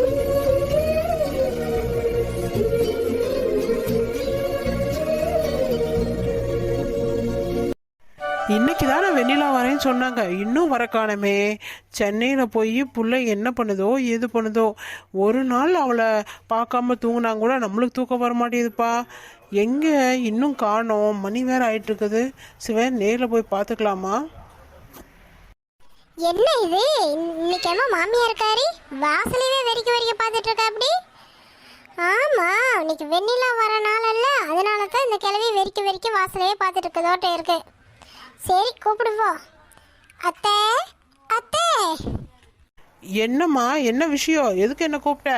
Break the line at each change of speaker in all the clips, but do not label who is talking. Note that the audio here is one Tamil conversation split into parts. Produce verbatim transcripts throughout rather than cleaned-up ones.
இன்னைக்கு தானே வெண்ணிலா வரேன்னு சொன்னாங்க, இன்னும் வர காணமே. சென்னையில் போய் புள்ள என்ன பண்ணுதோ எது பண்ணுதோ. ஒரு நாள் அவளை பார்க்காம தூங்கினா கூட நம்மளுக்கு தூக்கம் வர மாட்டேங்குதுப்பா. எங்கே இன்னும் காணோம், மணி வேற ஆயிட்டு இருக்குது. சிவன் நேரில் போய் பார்த்துக்கலாமா?
என்ன இது இன்னைக்கு என்ன மாமியா இருக்காரு வாசலையே வெறிக்க வெறிக்க பார்த்துட்டு இருக்கா அப்படி? ஆமா, இன்னைக்கு வெண்ணிலா வர நாள் அல்ல, அதனால தான் இந்த கிழவி வெறிக்க வெறிக்க வாசலையே பார்த்துட்டு இருக்கதோட்ட இருக்கு. சரி கூப்பிடுவோம். அத்தை அத்தை.
என்னம்மா, என்ன விஷயம்? எதுக்கு என்ன கூப்பிட்ட?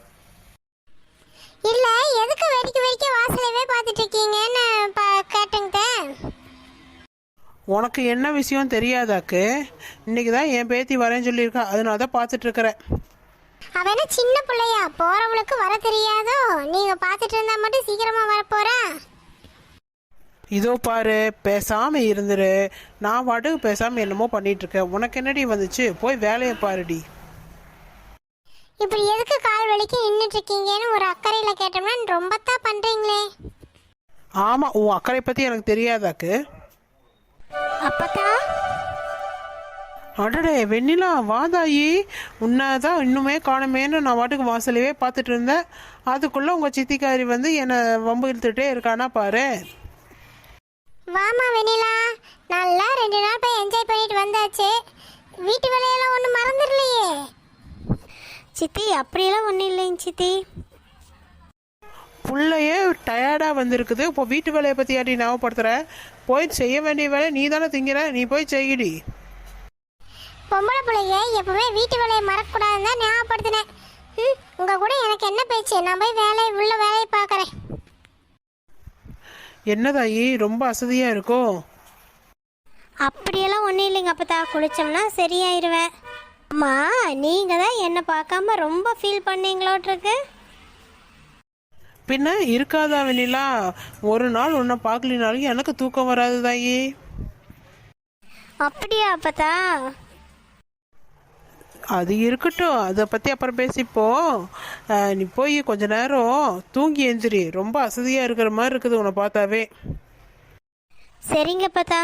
இல்ல, எதுக்கு வெறிக்க வெறிக்க வாசலையே பார்த்துட்டு இருக்கீங்கன்னு கேட்டுங்க.
உனக்கு என்ன விஷயம் தெரியாதாக்கு? இன்னைக்கு தான் என் பேத்தி வரேன்னு சொல்லியிருக்கா, அதனால தான் பார்த்துட்டு இருக்கிறேன்.
அவன சின்ன பிள்ளையா, போறவளுக்கு வர தெரியாதோ? நீங்க பார்த்துட்டு இருந்தா மட்டும் சீக்கிரமா வர போறா?
இதோ பாரு, பேசாம இருந்துரு. நான் பாட்டுக்கு பேசாம என்னமோ பண்ணிட்டு இருக்கேன். உனக்கு என்னடி வந்துச்சு? போய் வேலையை பாருடி.
இப்படி எதுக்கு கால் வலிக்கு நின்றுட்டு இருக்கீங்கன்னு ஒரு அக்கறையில கேட்டோம்னா ரொம்ப தான் பண்றீங்களே.
ஆமா, உன் அக்கறை பத்தி எனக்கு தெரியாதாக்கு?
அப்பதா
அடடே வெண்ணிலா, வாதாயி. உன்னதான் இன்னுமே காணமேன்னு நான் வாட்டுக்கு வாசலையே பார்த்துட்டு இருந்தேன். அதுக்குள்ள உங்க சித்திக்காரி வந்து என்னை வம்பு இழுத்துட்டே இருக்கானா பாரு.
வாமா வெண்ணிலா, நல்லா ரெண்டு நாள் போய் என்ஜாய் பண்ணிட்டு வந்தாச்சு. வீட்டு வேலையெல்லாம் ஒன்றும் மறந்துடலையே? சித்தி அப்படியெல்லாம் ஒன்றும் இல்லைங்க சித்தி.
புள்ளையே டயர்டாக வந்திருக்குது, இப்போ வீட்டு வேலையை பற்றி யாட்டி ஞாபகப்படுத்துற? போய் செய்ய வேண்டிய வேலை நீ தானே திங்கிற, நீ போய் செய்யடி.
பொம்பளை பிள்ளைங்க எப்பவுமே வீட்டு வேலையை மறக்கக்கூடாதுன்னு தான் ஞாபகப்படுத்தினேன். ம், உங்க கூட எனக்கு என்ன பேச்சு? நான் போய் வேலை உள்ள வேலையை பார்க்குறேன்.
என்னதாயி, ரொம்ப அசதியாக இருக்கும்?
அப்படியெல்லாம் ஒன்றும் இல்லைங்க அப்பத்தா, குளிச்சோம்னா சரியாயிருவேன். அம்மா, நீங்கள் தான் என்னை பார்க்காம ரொம்ப ஃபீல் பண்ணீங்களோட்ருக்கு.
பின்ன இருக்காதா வெண்ணிலா? ஒரு நாள் உன்னை பார்க்கலினாலும் எனக்கு தூக்கம் வராது தாயி.
அப்படியா அப்பத்தா?
அது இருக்கட்டும், அதை பற்றி அப்புறம் பேசிப்போ. நீ போய் கொஞ்ச நேரம் தூங்கி எந்திரி. ரொம்ப அசதியாக இருக்கிற மாதிரி இருக்குது உன்னை பார்த்தாவே.
சரிங்க அப்பத்தா.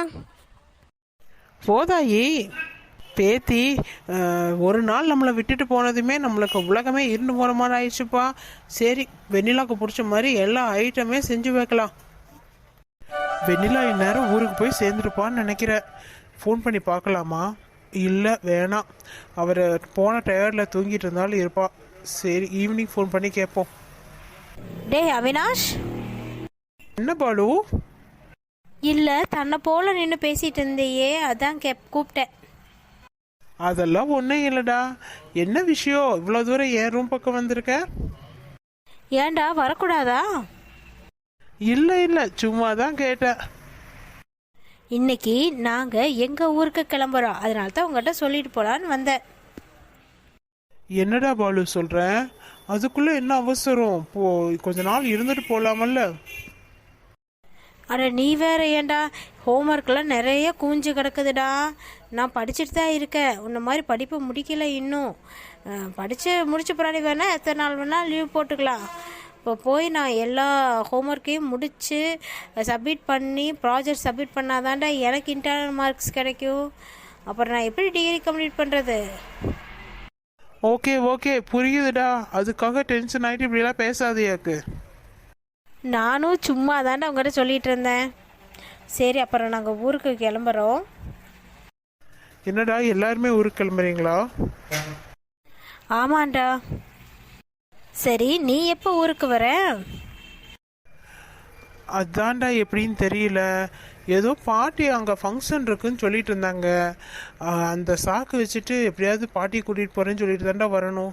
போதாயி பேத்தி, ஒரு நாள் நம்மளை விட்டுட்டு போனதுமே நம்மளுக்கு உலகமே இருந்து போகிற மாதிரி ஆயிடுச்சுப்பா. சரி, வெண்ணிலாவுக்கு பிடிச்ச மாதிரி எல்லா ஐட்டமே செஞ்சு வைக்கலாம். வெண்ணிலா இந்நேரம் ஊருக்கு போய் சேர்ந்துருப்பான்னு நினைக்கிறேன். ஃபோன் பண்ணி பார்க்கலாமா? இல்லை, வேணாம். அவர் போன டயர்டில் தூங்கிட்டு இருந்தாலும் இருப்பா. சரி, ஈவினிங் ஃபோன் பண்ணி கேட்போம்.
டே அவினாஷ்.
என்ன பாலு?
இல்லை, தன்னை போல நின்று பேசிட்டு இருந்தேயே, அதான் கே கூப்பிட்டேன்.
அதெல்லாம் ஒன்றும் இல்லைடா. என்ன விஷயம் இவ்வளோ தூரம் என் ரூம் பக்கம் வந்திருக்க?
ஏண்டா வரக்கூடாதா?
இல்லை இல்லை, சும்மா தான் கேட்டேன்.
இன்னைக்கு நாங்கள் எங்கள் ஊருக்கு கிளம்புறோம், அதனால தான் உங்கள்கிட்ட சொல்லிட்டு போகலான்னு வந்தேன்.
என்னடா பாலு சொல்கிறேன்? அதுக்குள்ளே என்ன அவசரம்? போ, கொஞ்ச நாள் இருந்துட்டு போகலாமல்ல?
அட நீ வேற ஏண்டா, ஹோம்ஒர்க்லாம் நிறைய கூஞ்சு கிடக்குதுடா. நான் படிச்சுட்டு தான் இருக்கேன், உன்ன மாதிரி படிப்பு முடிக்கல இன்னும். படித்து முடிச்ச பின்னாடி வேணால் எத்தனை நாள் வேணால் லீவ் போட்டுக்கலாம். இப்போ போய் நான் எல்லா ஹோம்ஒர்க்கையும் முடித்து சப்மிட் பண்ணி ப்ராஜெக்ட் சப்மிட் பண்ணாதான்டா எனக்கு இன்டர்னல் மார்க்ஸ் கிடைக்கும். அப்புறம் நான் எப்படி டிகிரி கம்ப்ளீட் பண்ணுறது?
ஓகே ஓகே, புரியுதுடா. அதுக்காக டென்ஷன் ஆகிட்டு இப்படிலாம் பேசாதையாக்கு.
நானும் சும்மா தாண்டா உங்கள்கிட்ட சொல்லிகிட்டு இருந்தேன். சரி, அப்புறம் நாங்கள் ஊருக்கு கிளம்புறோம்.
என்னடா எல்லாருமே ஊருக்கு கிளம்புறீங்களா?
ஆமாண்டா. சரி, நீ எப்போ ஊருக்கு வர?
அதான்டா எப்படின்னு தெரியல. ஏதோ பாட்டி அங்கே ஃபங்க்ஷன் இருக்குன்னு சொல்லிட்டு இருந்தாங்க. அந்த சாக்கு வச்சுட்டு எப்படியாவது பாட்டி கூட்டிகிட்டு போகிறேன்னு சொல்லிட்டு தான்டா வரணும்.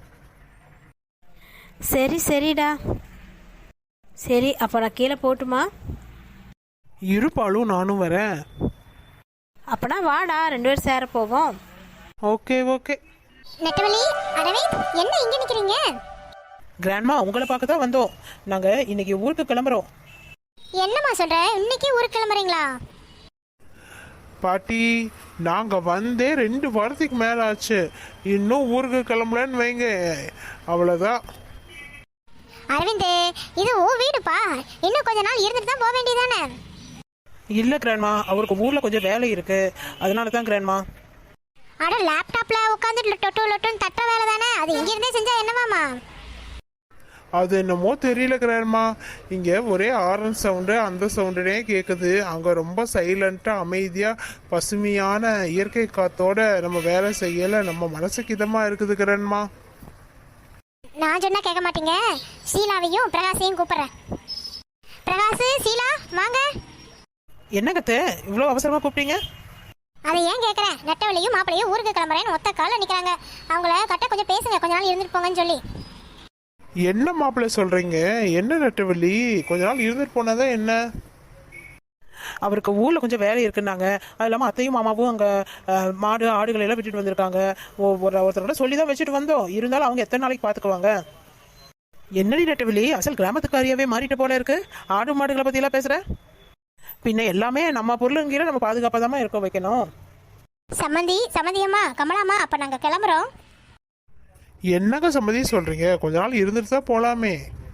சரி சரிடா. சரி, அப்போ நான் கீழே போட்டுமா?
இருப்பாலும் நானும் வரேன்.
அப்பனா வாடா, ரெண்டு பேரும் சேர போவோம்.
Okay okay.
நெட்டவலி, அரவிந்த், என்ன இங்கே நிற்கிறீங்க?
கிராண்ட்மா, உங்களை பார்க்க தான் வந்தோம். நாங்கள் இன்னைக்கு ஊருக்கு கிளம்புறோம்.
என்னம்மா சொல்ற? இன்னைக்கு ஊருக்கு கிளம்புறீங்களா?
பாட்டி,
நாங்கள் வந்தே ரெண்டு வாரத்துக்கு மேலே ஆச்சு, இன்னும் ஊருக்கு கிளம்பலன்னு வைங்க, அவ்வளோதான்.
அரவிந்த், இது ஓ வீடுப்பா, இன்னும் கொஞ்ச நாள் இருந்துட்டு தான் போக வேண்டியதானே?
இல்லை கிராண்ட்மா, அவருக்கு ஊரில் கொஞ்சம் வேலை இருக்கு, அதனால தான் கிராண்ட்மா.
அட, லேப்டாப்ல உட்காந்துட்டு லொட்டு லொட்டுன்னு தட்ட வேலை தானே, அது இங்கிருந்தே செஞ்சா என்னவாமா?
அது என்னமோ தெரியல கிராண்ட்மா, இங்கே ஒரே ஆரன் சவுண்டு அந்த சவுண்டுனே கேட்குது. அங்கே ரொம்ப சைலண்ட்டாக அமைதியாக பசுமையான இயற்கை காத்தோட நம்ம வேலை செய்யலை, நம்ம மனசுக்கு இதமாக இருக்குது கிராண்ட்மா.
நான் சொன்னா கேட்க மாட்டீங்க, ஷீலாவையும் பிரகாஷையும் கூப்பிடுறேன். பிரகாஷ், ஷீலா வாங்க.
என்னங்கத்த இவ்வளோ அவசரமாக கூப்பிட்டீங்க?
அதை ஏன் கேட்குறேன், நெட்டவழியும் மாப்பிளையும் ஊருக்கு கிளம்புறேன்னு ஒத்த காலில் நிற்கிறாங்க, அவங்கள கட்ட கொஞ்சம் பேசுங்க, கொஞ்ச நாள் இருந்துட்டு போங்கன்னு சொல்லி.
என்ன மாப்பிள்ளை சொல்கிறீங்க? என்ன நெட்டவள்ளி, கொஞ்ச நாள் இருந்துட்டு போனதான் என்ன?
அவருக்கு ஊரில் கொஞ்சம் வேலை இருக்குன்னாங்க. அது இல்லாமல் அத்தையும் மாமாவும் அங்கே மாடு ஆடுகளை எல்லாம் விட்டுட்டு வந்திருக்காங்க. ஒரு ஒருத்தரோட சொல்லி தான் வச்சுட்டு வந்தோம், இருந்தாலும் அவங்க எத்தனை நாளைக்கு பார்த்துக்குவாங்க? என்னடி நெட்டவெளி, அசல் கிராமத்துக்காரியாவே மாறிட்டு போல இருக்கு. ஆடு மாடுகளை பற்றியெல்லாம் பேசுகிற? பின்ன எல்லாமே நம்ம பொருளுங்கிற நம்ம பாதுகாப்பாக தான் இருக்க வைக்கணும்.
சம்மந்தி, சம்மந்தியம்மா, கமலாம்மா, அப்போ நாங்கள் கிளம்புறோம்.
என்னங்க சம்மதி சொல்கிறீங்க? கொஞ்ச நாள் இருந்துட்டு தான் போகலாமே.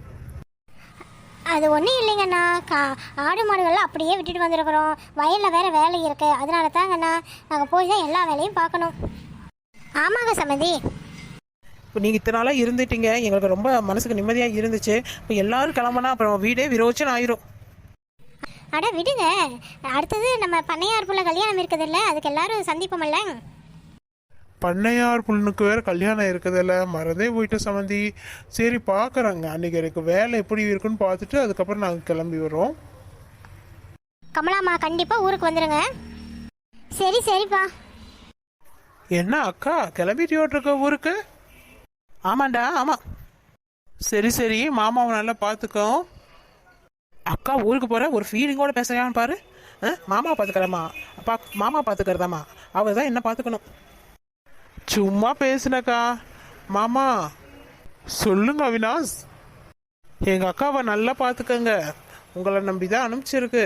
அது ஒன்றும் இல்லைங்கண்ணா, கா ஆடு மாடுகள்லாம் அப்படியே விட்டுட்டு வந்துருக்குறோம், வயலில் வேறு வேலை இருக்குது, அதனால தாங்கண்ணா நாங்கள் போய் தான் எல்லா வேலையும் பார்க்கணும். ஆமாங்க சம்மந்தி.
இப்போ நீங்கள் இத்தனை நாளாக இருந்துட்டீங்க, எங்களுக்கு ரொம்ப மனசுக்கு நிம்மதியாக இருந்துச்சு. இப்போ எல்லாரும் கிளம்புனா அப்புறம் வீடே விரோச்சன் ஆயிரும்.
அட விடுங்க, அடுத்தது நம்ம பண்ணையார் புள்ள கல்யாணம் இருக்குது இல்லை, அதுக்கு எல்லாரும் சந்திப்போம்ல.
பண்ணையார் புண்ணுக்கு வேற கல்யாணம் இருக்குதுல்ல, மறந்தே போயிட்ட சம்மந்தி. சரி பார்க்குறேங்க, அன்றைக்கி எனக்கு வேலை எப்படி இருக்குன்னு பார்த்துட்டு அதுக்கப்புறம் நாங்கள் கிளம்பி வரோம்.
கமலாம்மா கண்டிப்பாக ஊருக்கு வந்துடுங்க. சரி சரிப்பா.
என்ன அக்கா கிளம்பிட்டியோட்டு இருக்க ஊருக்கு? ஆமாண்டா ஆமாம். சரி சரி, மாமாவை நல்லா பார்த்துக்கோ. அக்கா ஊருக்கு போகிற ஒரு ஃபீலிங்கோட பேசுகிறான்னு பாரு. மாமா பார்த்துக்கிறமா, அப்பா மாமா பார்த்துக்கிறதாம்மா, அவர் தான் என்ன பார்த்துக்கணும்.
சும்மா பேசுனக்கா. மாமா சொல்லுங்க அவினாஷ்.
எங்கள் அக்காவை நல்லா பார்த்துக்கங்க, உங்களை நம்பி தான் அனுப்பிச்சிருக்கு.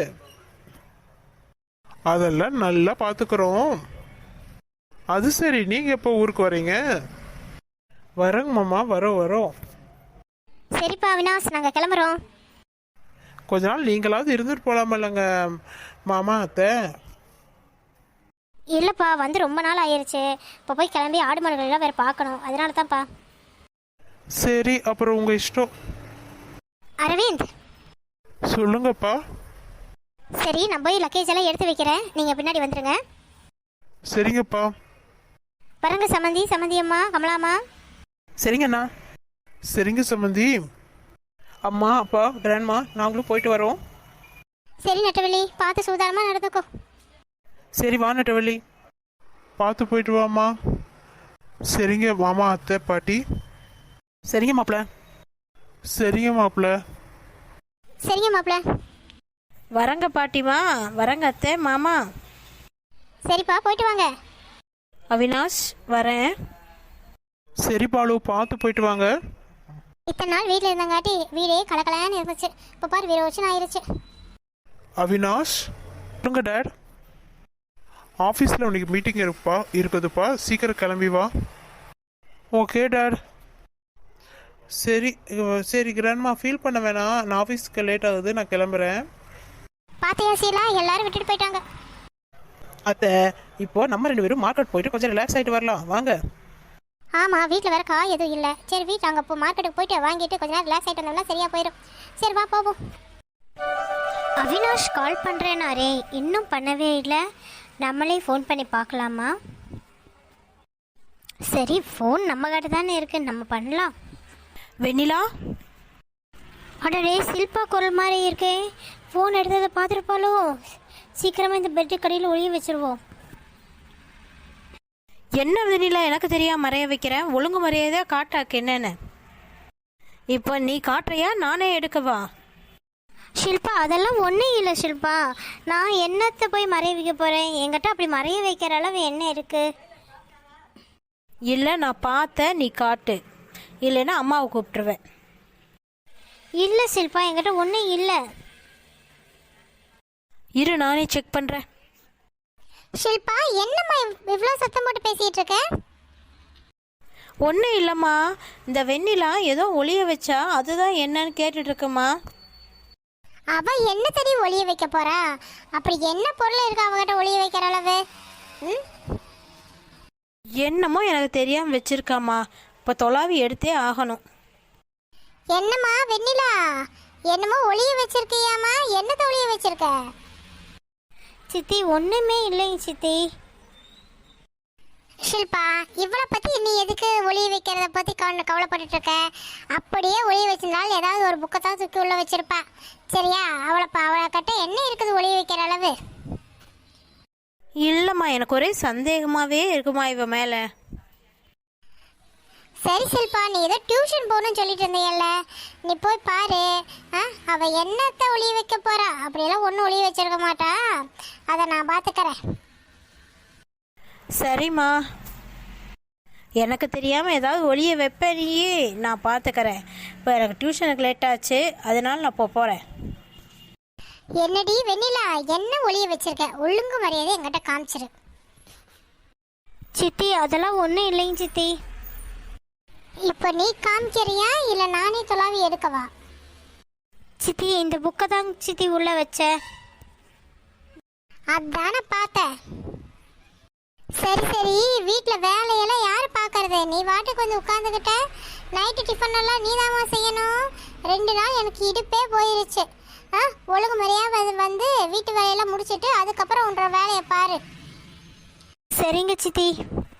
அதெல்லாம் நல்லா பார்த்துக்கிறோம். அது சரி, நீங்கள் எப்போ ஊருக்கு வரீங்க?
வரங்க மாமா, வரோம் வரோம்.
சரிப்பா அவினாஷ், நாங்கள் கிளம்புறோம்.
கொஞ்ச நாள் நீங்களாவது இருந்துட்டு போகலாமல்லங்க மாமா அத்தை.
இல்லைப்பா, வந்து ரொம்ப நாள் ஆயிடுச்சு, இப்போ போய் கிளம்பி ஆடு மாடுகளெல்லாம் வேறு பார்க்கணும், அதனால தான்ப்பா.
சரி, அப்புறம் உங்கள் இஷ்டம்.
அரவிந்த்.
சொல்லுங்கப்பா.
சரி, நான் போய் லக்கேஜ் எல்லாம் எடுத்து வைக்கிறேன், நீங்கள் பின்னாடி வந்துடுங்க.
சரிங்கப்பா.
வரங்க சம்மந்தி, சம்மந்தியம்மா, கமலாம்மா.
சரிங்கண்ணா.
சரிங்க சம்மந்தி.
அம்மா அப்பா கிராண்ட்மா நாங்களும் போயிட்டு வரோம்.
சரி நெட்டவள்ளி, பார்த்து சூதானமாக நடந்துக்கோ.
சரி வா நெட்டவள்ளி.
பார்த்து போயிட்டு வாமா. சரிங்க மாமா அத்தை பாட்டி.
சரிங்க மாப்பிள்ள.
சரிங்க மாப்பிள்ள.
சரிங்க மாப்பிள்ள.
வரங்க பாட்டிமா, வரங்க அத்தை மாமா.
சரிப்பா, போயிட்டு வாங்க.
அவினாஷ் வரேன்.
சரி பாலு, பார்த்து போயிட்டு வாங்க.
இத்தனை நாள் வீட்டில் இருந்தங்காட்டி வீடே கலக்கலான்னு இருந்துச்சு, இப்போ பாரு விரோச்சன் ஆயிருச்சு.
அவினாஷ்.
சொல்லுங்க டேட்.
ஆஃபீஸில் உனக்கு மீட்டிங் இருப்பா இருக்குதுப்பா, சீக்கிரம் கிளம்பி வா.
Okay dad. சரி சரி கிராண்ட்மா, ஃபீல் பண்ண வேணாம், நான் ஆஃபீஸ்க்கு லேட் ஆகுது, நான் கிளம்புறேன்.
பாத்தியா சீலா, எல்லாரும் விட்டுட்டு போயிட்டாங்க.
அத்தை இப்போ நம்ம ரெண்டு பேரும் மார்க்கெட் போயிட்டு கொஞ்சம் ரிலாக்ஸ் ஆகிட்டு வரலாம் வாங்க.
ஆமாம், வீட்டில் வேறு காய் எதுவும் இல்லை. சரி, வீட்டில் அங்கே இப்போ மார்க்கெட்டுக்கு போயிட்டு வாங்கிட்டு கொஞ்ச நேரம் ரிலாக்ஸ் ஆகிட்டு வந்தோம்னா சரியாக போயிடும். சரி வா போவோம்.
அவினாஷ் கால் பண்ணுறேனாரே, இன்னும் பண்ணவே இல்லை. நம்மளே ஃபோன் பண்ணி பார்க்கலாமா? சரி, ஃபோன் நம்ம கிட்ட தானே இருக்கு, நம்ம பண்ணலாம்.
வெண்ணிலா.
அடடே, சில்பா குரல் மாதிரி இருக்கே. ஃபோன் எடுத்ததை பார்த்துருப்பாளோ? சீக்கிரமாக இந்த பெட்டு கடையில் ஒழிய வச்சுருவோம்.
என்ன வெண்ணிலா, எனக்கு தெரியாம மறைய வைக்கிறேன், ஒழுங்கு மரியாதையா காட்டாக்கு என்னன்னு. இப்போ நீ காட்டுறியா நானே எடுக்கவா?
ஷில்பா, அதெல்லாம் ஒன்றும் இல்லை ஷில்பா. நான் என்னத்தை போய் மறைய வைக்க போகிறேன்? என்கிட்ட அப்படி மறைய வைக்கிற அளவு என்ன இருக்குது?
இல்லை, நான் பார்த்தேன், நீ காட்டு, இல்லைன்னா அம்மாவை கூப்பிட்டுருவேன்.
இல்லை ஷில்பா, என்கிட்ட ஒன்றும் இல்லை.
இரு, நானே செக் பண்ணுறேன்.
ஷில்பா என்னம்மா இவ்வளோ சத்தம் போட்டு பேசிட்டு இருக்க?
ஒன்றும் இல்லைம்மா, இந்த வெண்ணிலா ஏதோ ஒளிய வச்சா அதுதான் என்னன்னு கேட்டுட்டு இருக்குமா.
அவ என்ன தடி ஒளிய வைக்க போறா? அப்படி என்ன பொருள் இருக்கு அவகிட்ட ஒளிய வைக்கிற அளவு? ம்?
என்னமோ எனக்கு தெரியாமல் வச்சிருக்காம்மா. இப்போ தொலாவி எடுத்தே ஆகணும்.
என்னம்மா வெண்ணிலா, என்னமோ ஒளிய வச்சிருக்கியாமா? என்னத்த ஒளிய வச்சிருக்க?
சித்தி ஒன்றுமே இல்லைங்க சித்தி.
ஷில்பா, இவளை பத்தி நீ எதுக்கு ஒளிய வைக்கிறத பத்தி கவலை கவலைப்பட்டுட்டு இருக்க? அப்படியே ஒளிய வச்சிருந்தாலும் ஏதாவது ஒரு புக்கை தான் தூக்கி உள்ள வச்சிருப்பா. சரியா? அவளை அவளை கட்ட என்ன இருக்குது ஒளிய வைக்கிற அளவு?
இல்லைம்மா, எனக்கு ஒரே சந்தேகமாகவே இருக்குமா இவ மேலே.
சரி ஷில்பா, நீ ஏதோ டியூஷன் போகணும்னு சொல்லிட்டு இருந்தீங்கல்ல, நீ போய் பாரு. ஆ, அவ என்னத்த ஒளிய வைக்க போறா? அப்படியெல்லாம் ஒன்றும் ஒளிய வச்சிருக்க மாட்டா. அதை நான் பார்த்துக்கிறேன்.
சரிம்மா, எனக்கு தெரியாமல் ஏதாவது ஒளிய வைப்பேனியே, நான் பார்த்துக்கிறேன். இப்போ எனக்கு டியூஷனுக்கு லேட் ஆச்சு, அதனால நான் இப்போ போகிறேன்.
என்னடி வெண்ணிலா, என்ன ஒளிய வச்சிருக்க? ஒழுங்கு மரியாதை என்கிட்ட காமிச்சிரு.
சித்தி அதெல்லாம் ஒன்றும் இல்லைங்க சித்தி.
இப்போ நீ காமிக்கிறியா இல்லை நானே தொலாவி எடுக்கவா?
சித்தி இந்த புக்கை தான் சித்தி உள்ள வச்சேன்.
அதானே பார்த்தேன். சரி சரி, வீட்டில் வேலையெல்லாம் யார் பார்க்கறது? நீ வாட்டுக்கு வந்து உட்காந்துக்கிட்ட. நைட்டு டிஃபன் எல்லாம் நீதாம்மா செய்யணும். ரெண்டு நாள் எனக்கு இடுப்பே போயிருச்சு. ஆ, ஒழுங்கு முறையாக வந்து வீட்டு வேலையெல்லாம் முடிச்சிட்டு அதுக்கப்புறம் உன்ற வேலையை பாரு.
சரிங்க சித்தி.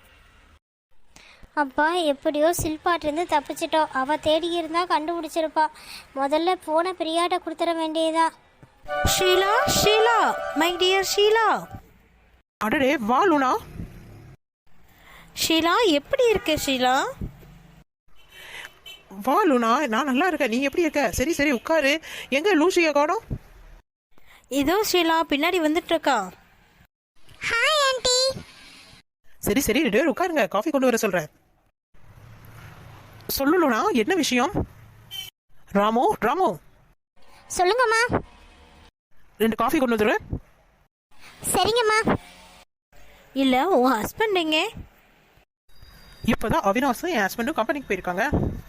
அப்பா எப்படியோ சில்பாட்டிருந்து தப்பிச்சிட்டோம். அவள் தேடி இருந்தால் கண்டுபிடிச்சிருப்பா. முதல்ல போன பிரியாட்ட கொடுத்துட வேண்டியதா.
Sheela, Sheela, my dear Sheela.
அடடே வா லூனா.
ஷீலா, எப்படி இருக்க ஷீலா?
வா லூனா, நான் நல்லா இருக்கேன். நீ எப்படி இருக்க? சரி சரி உட்காரு. எங்க லூசியை காணோம்?
இதோ ஷீலா பின்னாடி வந்துட்டு இருக்கா.
Hi aunty.
சரி சரி ரெண்டு பேரும் உட்காருங்க, காஃபி கொண்டு வர சொல்றேன். சொல்லு லூனா, என்ன விஷயம்? ராமு, ராமு
சொல்லுங்கம்மா.
ரெண்டு காஃபி கொண்டு வந்துடுறேன்.
சரிங்கம்மா.
இல்லை, உன் ஹஸ்பண்ட் எங்கே?
இப்போதான் அவினாஷும் என் ஹஸ்பண்டும் கம்பெனிக்கு போயிருக்காங்க.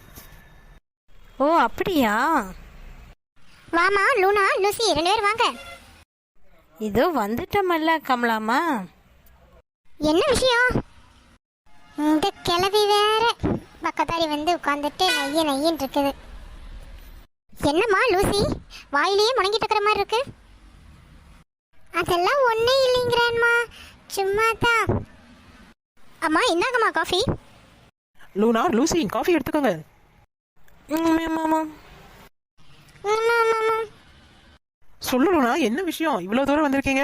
ஓ அப்படியா?
வாமா லூனா, லூசி ரெண்டு பேரும் வாங்க.
இதோ வந்துட்டமல்ல கமலாமா.
என்ன விஷயம்? இந்த கிளவி வேற பக்கத்தாரி வந்து உட்காந்துட்டு நைய நையின்னு இருக்குது. என்னம்மா லூசி, வாயிலேயே முடங்கிட்டு இருக்கிற மாதிரி இருக்கு? அதெல்லாம் ஒன்னே இல்லைங்கிறேன்மா, சும்மா தான். அம்மா இந்தாங்கம்மா காஃபி.
லூனா, லூசி காஃபி எடுத்துக்கோங்க. சொல்லு லூனா, என்ன விஷயம்? இவ்வளோ தூரம் வந்திருக்கீங்க?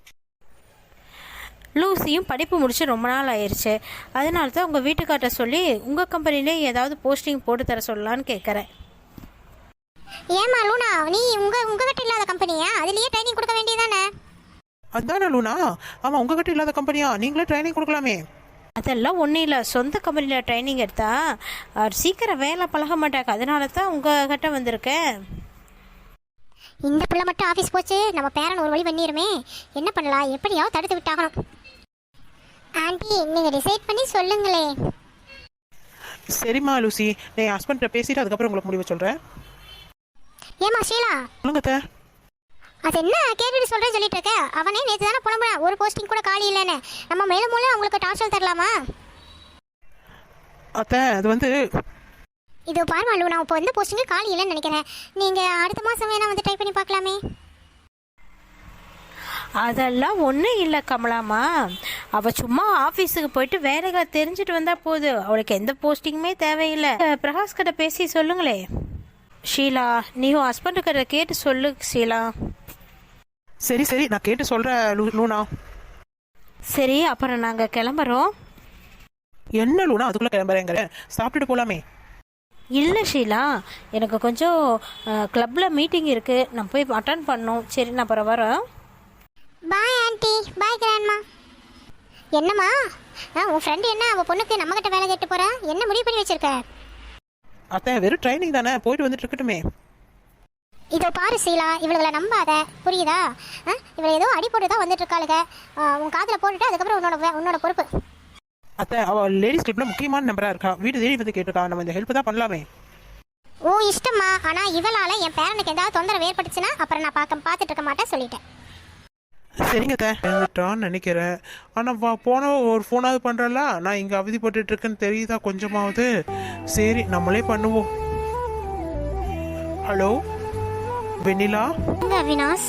லூசியும் படிப்பு முடிச்சு ரொம்ப நாள் ஆயிடுச்சு. அதனால தான் உங்கள் வீட்டுக்கார்ட்ட சொல்லி உங்கள் கம்பெனிலே ஏதாவது போஸ்டிங் போட்டு தர சொல்லலான்னு கேட்குறேன்.
ஏமா லூனா, நீ உங்க உங்ககிட்ட இல்லாத கம்பெனியா? அதுலயே ட்ரைனிங் கொடுக்க வேண்டியதானே?
அதானே லூனா. ஆமாம், உங்ககிட்ட இல்லாத கம்பெனியா? நீங்களே ட்ரைனிங் கொடுக்கலாமே.
அதெல்லாம் ஒன்றும் இல்லை, சொந்த கம்பெனியில் ட்ரைனிங் எடுத்தா அவர் சீக்கிரம் வேலை பழக மாட்டாங்க. அதனால தான் உங்கள் கிட்ட வந்திருக்கேன்.
இந்த பிள்ளை மட்டும் ஆஃபீஸ் போச்சு, நம்ம பேரன் ஒரு வழி பண்ணிடுமே. என்ன பண்ணலாம்? எப்படியாவது தடுத்து விட்டாகணும். ஆண்டி, நீங்கள் டிசைட் பண்ணி சொல்லுங்களே.
சரிம்மா லூசி, நான் என் ஹஸ்பண்ட்டை பேசிட்டு அதுக்கப்புறம் உங்களுக்கு முடிவு சொல்கிறேன்.
ஏமா ஷீலா,
சொல்லுங்க அத்தை.
அது என்ன கேட்டுட்டு சொல்கிறேன்னு சொல்லிட்டு இருக்க? அவனே நேற்று தானே புலம்புனா ஒரு போஸ்டிங் கூட காலி இல்லைன்னு. நம்ம மேலும் மூலம் அவங்களுக்கு டார்ச்சல் தரலாமா?
அத்தை அது வந்து
இது பாருமா லூனா, இப்போ வந்து போஸ்டிங்கு காலி இல்லைன்னு நினைக்கிறேன். நீங்கள் அடுத்த மாதம் வேணால் வந்து ட்ரை பண்ணி பார்க்கலாமே.
அதெல்லாம் ஒன்றும் இல்லை கமலாமா. அவள் சும்மா ஆஃபீஸுக்கு போயிட்டு வேலைகளை தெரிஞ்சுட்டு வந்தால் போதும். அவளுக்கு எந்த போஸ்டிங்குமே தேவையில்லை. பிரகாஷ் கிட்ட பேசி சொல்லுங்களே. ஷீலா, நீ உன் ஹஸ்பண்டு கிட்ட கேட்டு சொல்லு ஷீலா.
சரி சரி, நான் கேட்டு சொல்கிறேன் லூ லூனா.
சரி, அப்புறம் நாங்கள் கிளம்புறோம்.
என்ன லூனா அதுக்குள்ளே கிளம்புறேங்கிற? சாப்பிட்டுட்டு போகலாமே.
இல்லை ஷீலா, எனக்கு கொஞ்சம் கிளப்பில் மீட்டிங் இருக்குது, நான் போய் அட்டன் பண்ணணும். சரி, நான் அப்புறம் வரேன்.
Bye aunty, bye grandma. என்னம்மா, ஆ உன் ஃப்ரெண்டு என்ன அவள் பொண்ணுக்கு நம்மக்கிட்ட வேலை கேட்டு போகிறா? என்ன முடிவு பண்ணி வச்சிருக்க?
அத்தை வெறும் ட்ரைனிங் தானே, போயிட்டு வந்துட்டு இருக்கட்டுமே.
இதோ பாரு சீலா, இவளுகளை நம்பாத, புரியுதா? ஆ, இவளை ஏதோ அடி போட்டு தான் வந்துட்டு இருக்காளுங்க. ஆ, உன் காதில் போட்டுட்டு அதுக்கப்புறம் உன்னோட வே- உன்னோட பொறுப்பு.
அத்தை, அவள் லேடிஸ் கிளப்ல முக்கியமான நம்பராக இருக்கா, வீடு தேடி வந்து கேட்டிருக்கா, நம்ம இந்த ஹெல்ப் தான் பண்ணலாமே.
ஓ இஷ்டமா, ஆனால் இவளால் என் பேரனுக்கு ஏதாவது தொந்தரவு ஏற்பட்டுச்சுன்னா அப்புறம் நான் பார்க்க பார்த்துட்டு இருக்க மாட்டேன் சொல்லிட்டேன்.
சரிங்க அத்தை.
வந்துட்டான்னு நினைக்கிறேன். ஆனால் வா போன ஒரு ஃபோனாவது பண்ணுறல, நான் இங்கே அவதிப்பட்டுட்டு இருக்கேன்னு தெரியுதா கொஞ்சமாவது? சரி நம்மளே பண்ணுவோம். ஹலோ வெண்ணிலா,
எங்க அவினாஷ்?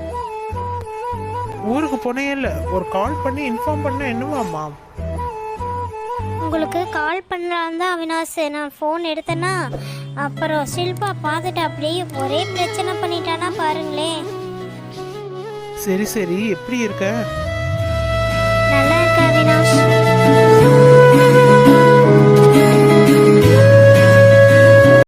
ஊருக்கு போனே இல்லை, ஒரு கால் பண்ணி இன்ஃபார்ம் பண்ண என்னவாம்மா?
உங்களுக்கு கால் பண்ணலான் தான் அவினாஷ். நான் ஃபோன் எடுத்தேன்னா அப்புறம் ஷில்பா பார்த்துட்டு அப்படியே ஒரே பிரச்சனை பண்ணிட்டானா பாருங்களேன்.
சரி சரி, எப்படி இருக்க?
நல்லா இருக்க அவினாஷ்.